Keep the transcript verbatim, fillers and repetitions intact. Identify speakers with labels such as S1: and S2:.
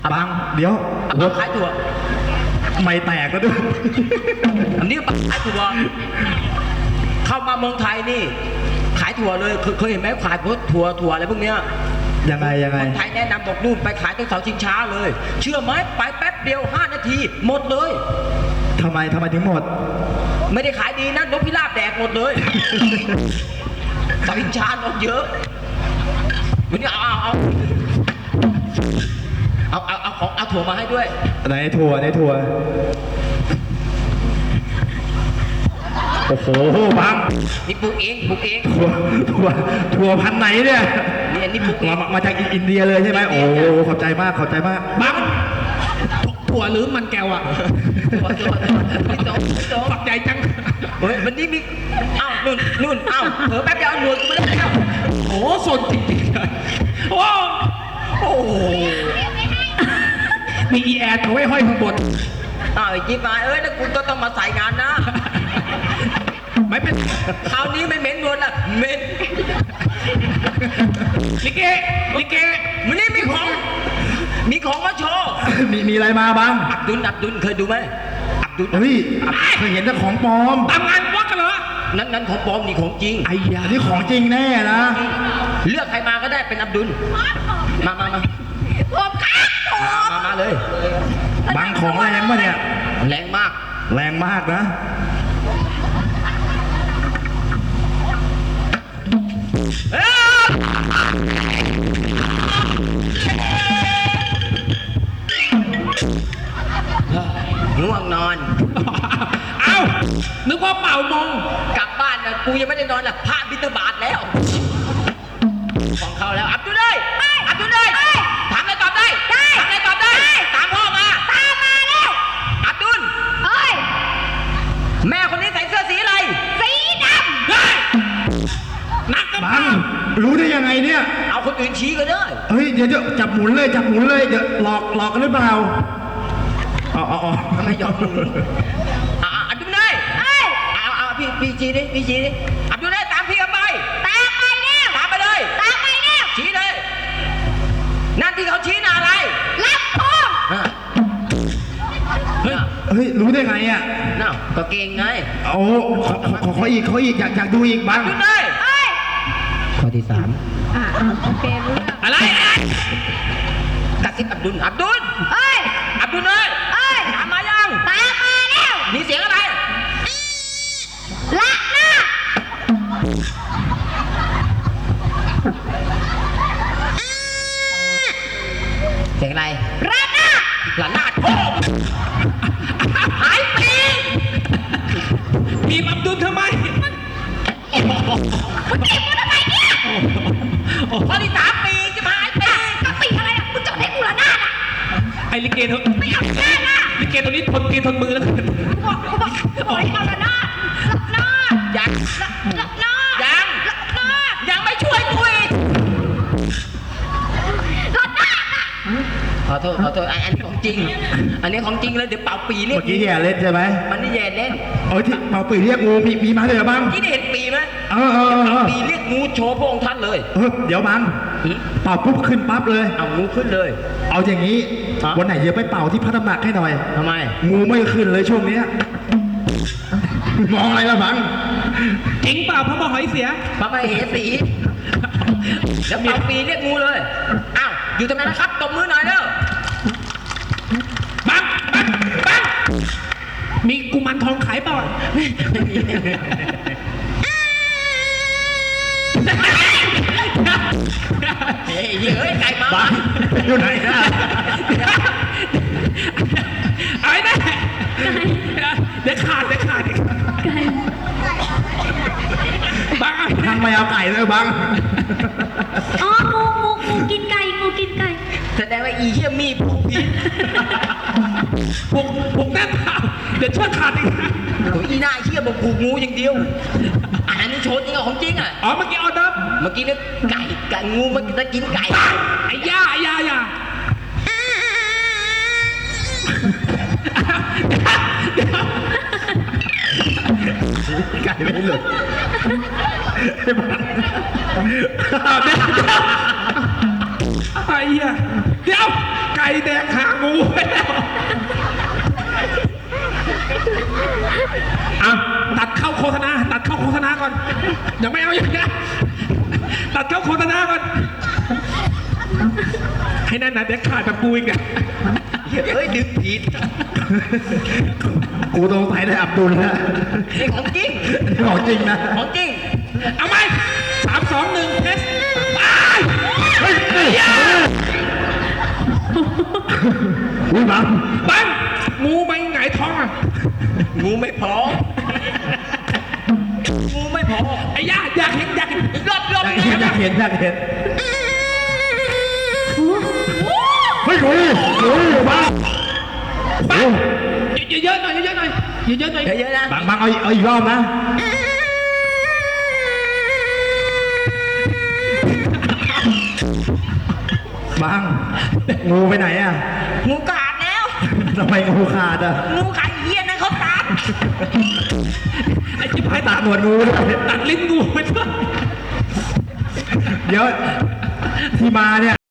S1: บังเดี๋ยว
S2: บังขายถั่ว
S1: ไม่แตกแล้วด้วย
S2: อันนี้บังขายถั่วเข้ามาเมืองไทยนี่ขายถั่วเลยเคยเห็นไหมขายพวกถั่วถั่วอะไรพวกเนี้ย
S1: ยังไงยังไง
S2: คนไทยแนะนำบอกนู่นไปขายตรงเสาชิงช้าเลยเชื่อไหมไปแป๊บเดียวห้านาทีหมดเลย
S1: ทำไมทำไมถึงหมด
S2: ไม่ได้ขายดีนะนกพิราบแดกหมดเลยเสาชิงช้านกเยอะวันนี้เอาเอาเอาเอาเอาของเอาถั่วมาให้ด้วย
S1: ไหนถั่วไหนถั่วโอ้โหบัง
S2: นี่ปลูกเองปลูกเอง
S1: ถั่วถั่วถั่วพันไหนเนี่ย
S2: นี่นี่ปลูกเอง
S1: มาจากอินเดียเลยใช่ไหมโอ้ขอบใจมากขอบใจมาก
S3: บังถั่วหรือมันแก้วอะ
S2: ถั่วถั่วไม่ต้องไม่ต้อง
S3: ฝักใจจัง
S2: เฮ้ยวันนี้มีอ้าวนู่นนู่นอ้าวเผลอแป๊บเดียวหนวดกูไม่ได้แล้ว
S3: โอ้สนจริงๆเลยโอ้โอ้มีอีแอร์เอาไว้ห้อยข้างบน
S2: อ้าวไอ้จิ๊บมาเอ้ยแล้วกูก็ต้องมาใส่งานนะ
S3: ไม่เป็น
S2: คราวนี้ไม่เหม็นนวลละเหม็น
S3: ลิเกลิเก
S2: วันนี้มีของมีของมาโชว์
S1: มีมีอะไรมาบ้าง
S2: อับดุลอับดุลเคยดูไหมอับดุล
S1: เฮ้ยเคยเห็นแต่ของปลอม
S3: ตามงานวัดกันเหรอ
S2: นั้นนั้นของปลอมนี่ของจริง
S1: ไอ้ยานี่ของจริงแน่นะ
S2: เลือกใครมาก็ได้เป็นอับดุลมามามา
S4: ผมครับ
S2: มามาเลย
S1: บังของแรงปะเนี่ย
S2: แรงมาก
S1: แรงมากนะ
S2: ง่วงนอน
S3: เอ้านึกว่าเป่ามง
S2: กลับบ้านนะกูยังไม่ได้นอนละพระบิณฑบาตแล้วของเขาแล้วอับดุลเลยอับดุลเลยถามอะไรตอบได้ถามอะไรตอบได้ตามพ่อมา
S4: ตามมาแล้ว
S2: อับดุล
S4: เอ้ย
S2: แม่คนนี้ใส่เสื้อสีอะไร
S4: สีดำเฮ้ย
S3: นักกับ
S1: บังรู้ได้ยังไงเนี่ย
S2: เอาคนอื่นชี้ก็ได้
S1: เฮ้ยเดี๋ยวจะจับหมุนเลยจับหมุนเลยเดี๋ยวหลอกหลอกกันหรือเปล่าอ๋ออ๋อ
S2: ไม่ยอมอ่าอับดุลเลยเอาเอาพี่พี่ชี้ดิพี่ชี้ดิอับดุลเลยตามพี่กันไป
S4: ตามไปแล้ว
S2: ตามไปเลย
S4: ตามไปแล้ว
S2: ชี้เลยนั่นที่เขาชี้น่ะอะไร
S4: รับพง
S1: เฮ้ยเฮ้ยรู้ได้ไงอ่ะ
S2: น่าก็เก่งไง
S1: โอ้ขอขอขออีกขออีกอยากอยากดูอีกบ้าง
S2: อับดุลเลยข้อที่สาม
S4: อ่าโอเครู้
S2: อะไรกระซิบอับดุลอับดุล
S4: เอ้ย
S2: อับดุลเลย
S4: เอ้ย
S2: ตามมายัง
S4: ตามมาแล้ว
S2: มีเสียงอะไร
S4: ละหน้า
S2: เสียงอะไร
S4: ละหน้า
S2: ละหน้าโอ้หายปี
S3: บีบอับดุลทำไม
S4: มึงจีบกูทำไมเนี่ย
S2: ข้อที่สามปีจะหายปี
S4: ก็ปีอะไรอ่ะมึงจดให้กูละหน้าอ่ะ
S3: ไอ้ลิเกเถอะ
S4: ไม่เอาละหน้า
S3: ลิเกตัวนี้ทนตีทนมือแล้วกัน
S4: บอกกูบอกกูบอกให้เอาละหน้าละหน้า
S2: ยัง
S4: ละหน้า
S2: ยัง
S4: ละหน้า
S2: ยังไม่ช่วยกูอีก
S4: ละหน้า
S2: ขอโทษขอโทษอันนี้ของจริงอันนี้ของจริงเลยเดี๋ยวเป่าปีเรียก
S1: เมื่อกี้แย่เล่นใช่ไหม
S2: มันนี่แย่เล่น
S1: เออที่เป่าปีเรียกงูมีมีมาเลยเหรอบ้าง
S2: ที่ได้เห็นปีไหม
S1: เออเออเออ
S2: ปีเรียกงูโชว์พระองค์ท่านเลย
S1: เออเดี๋ยวบังเป่าปุ๊บขึ้นปั๊บเลย
S2: เอางูขึ้นเลย
S1: เอาอย่างนี้วันไหนเดี๋ยวไปเป่าที่พระตำหนักให้หน่อย
S2: ทำไม
S1: งูไม่ขึ้นเลยช่วงนี้มองอะไรล่ะบัง
S3: เอ็งเปล่าพระมหอยเสีย
S2: พระมเหสีแล้วเป่าปีเรียกงูเลยอ้าวอยู่ตรงนั้นนะครับตบมือหน่อยเด้อ
S3: บังบังบังมีกุมารทองขายเปล่า
S2: เฮ้ยเฮ้ยไก่มา
S1: บังอยู่ไหนนะ
S3: ไอ้เนี่ยเดี๋ยวขาดเดี๋ยวขาดไก่บัง
S1: ทางไม่เอาไก่เลยบัง
S4: อ๋องูงูงูกินไก่งูกินไก่
S2: แสดงว่าอีเหี้ยมีผูกผี
S3: ผูกผูกแน่นเปล่าเดี๋ยวเชือกขาดอีก
S2: โอ้ยอีหน้าเหี้ยบอกผูกงูอย่างเดียวอันนี้โชว์จริงเหรอของจริงอ่ะ
S3: อ๋อเมื่อกี้ออเดิร์ฟ
S2: เมื่อกี้เนี่ยไก่ไก่งูมันจะกินไก่
S3: ไอ้ย่าไอ้ย่าย่า
S1: ไก่ไม่หลุด
S3: ไอ้เหี้ยเดี๋ยวไก่ก่แดกหางงูไปแล้วอ่ะตัดเข้าโฆษณาตัดเข้าโฆษณาก่อนยังไม่เอาอย่างนี้ตัดเข้าโฆษณาก่อนให้นั่นนะเด็กขาดแบบกูอีกอ่ะ
S2: เฮ้ยดึงผิด
S1: กูต้องใส่ได้อับดุลนะ
S2: นี่ของจริง
S1: ของจริงนะ
S2: ของจริง
S3: เอาไหมสามสองหนึ่งเทสไป
S1: เฮ้ยนี่อุ้ยบัง
S3: บังงูไปไงายท้องอ่ะ
S2: งูไม่พองูไม่พอ
S3: ไอ้ย่าอยากเห็นอยากเห็น
S2: อีกรอบรอบ
S1: อยากเห็นอยากเห็นอยากเห็นเฮ้ยงูงูบัง
S3: บังเยอะๆหน่อยเยอะๆหน่อยเยอะๆหน่อย
S2: เยอะๆนะ
S1: บังบังเอาเอาอีกรอบนะบังงูไปไหนอ่ะ
S2: งูขาดแล้ว
S1: ทำไมงูขาดอ่ะ
S2: งูขาดเหี้ยนั่นเขาตัด
S3: ไอ้จิ๊บ
S1: ให้
S3: ให้
S1: ตั
S3: ตั
S1: ด
S3: ด
S1: หนวดงูด้วย
S3: ตัดลิ้นงูไปด้วย
S1: เดี๋ยวที่มาเนี่ย